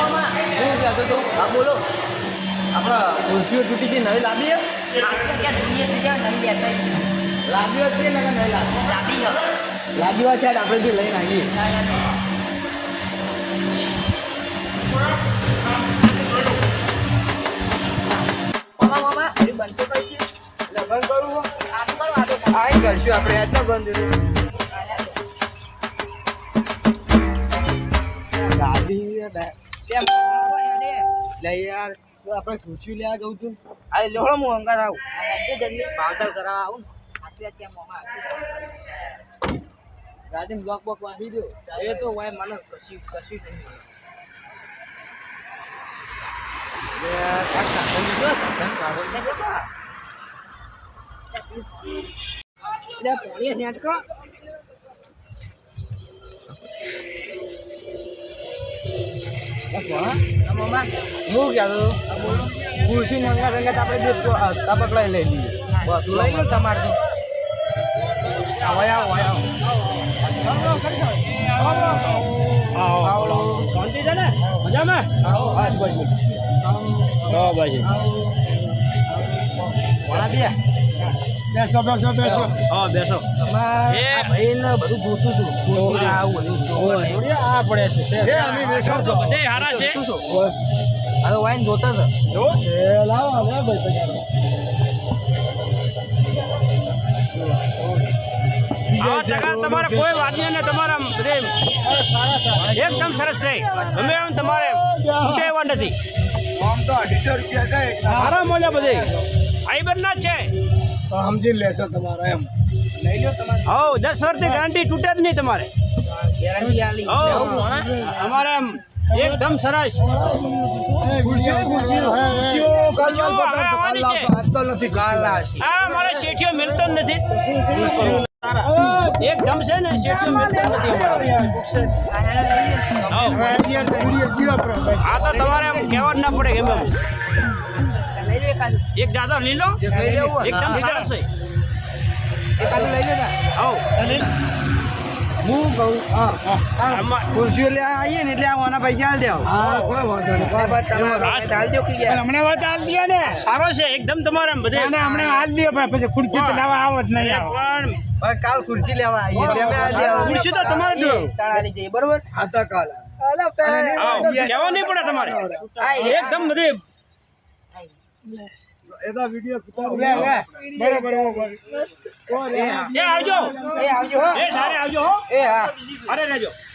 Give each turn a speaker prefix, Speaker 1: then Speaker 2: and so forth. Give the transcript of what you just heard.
Speaker 1: હું કહેતો તો હા બોલો આપણા ખુરશીઓ તૂટી ગઈ નવી લાવીએ લાવ્યો છે ને નહીં લાવ્યો છે આપણે બી લઈને આવીએ કરશું આપણે આજના બંધ ગાડી લે યાર આપણે ખુરશી લેવા જવું છું આ લોહડો હું અંગાર આવું જલ્દી ભાવતાલ કરાવવા આવું ગાડી બ્લોક બોક વાંધી દો એ તો વાય મને કશી નહીં હું કહેતો ખુરશી મંગા સંગત આપણે તપક લઈ લઈએ તું લઈ લો તમારે તો શાંતિ છે ને મજામાં બસ બસ બેસો હા બેસો ભાઈને બધું જોતું હતું આ પડે છે બધે હારા છે હવે વાઈન જોતા હતા જો લાવો તમારે કોઈ વાત નહીં ને તમારા બધે એકદમ સરસ છે ગમે એમ તમારે ઉઠેવા નથી આમ તો 250 રૂપિયા સારા મળ્યા બધે ફાઈબર ના છે સમજી લેશો તમારે એમ લઈ લો તમારે હા 10 વર્ષથી ગેરંટી તૂટે જ નહીં તમારે ગેરંટી આલી અમારે એમ એકદમ સરસ મારે શેઠિયો મિલતો જ નથી એકદમ છે ને શેઠિયો મિલતો નથી આ તો તમારે એમ કહેવા જ ના પડે ગમે એક દાદા લઈ લો એકદમ સરસ છે એકાદું લઈ લેતા હું કહું ખુરશીઓ લે આવીએ ને એટલે આવાના પૈસા હાલ દેવા કોઈ વાંધો નહીં હમણાં વાત હાલ દે ને સારો છે એકદમ તમારે બધે હમણાં હાલ દે પછી ખુરશી તો લેવા આવો જ નહીં પણ કાલ ખુરશી લેવા આવીએ ખુરશી તો તમારે તાળી જઈએ બરોબર હા તો કાલ કહેવા નહીં પડે તમારે એકદમ બધે એदा वीडियो बराबर ए आवजो ए सारे आवजो हो ए हां अरे रहजो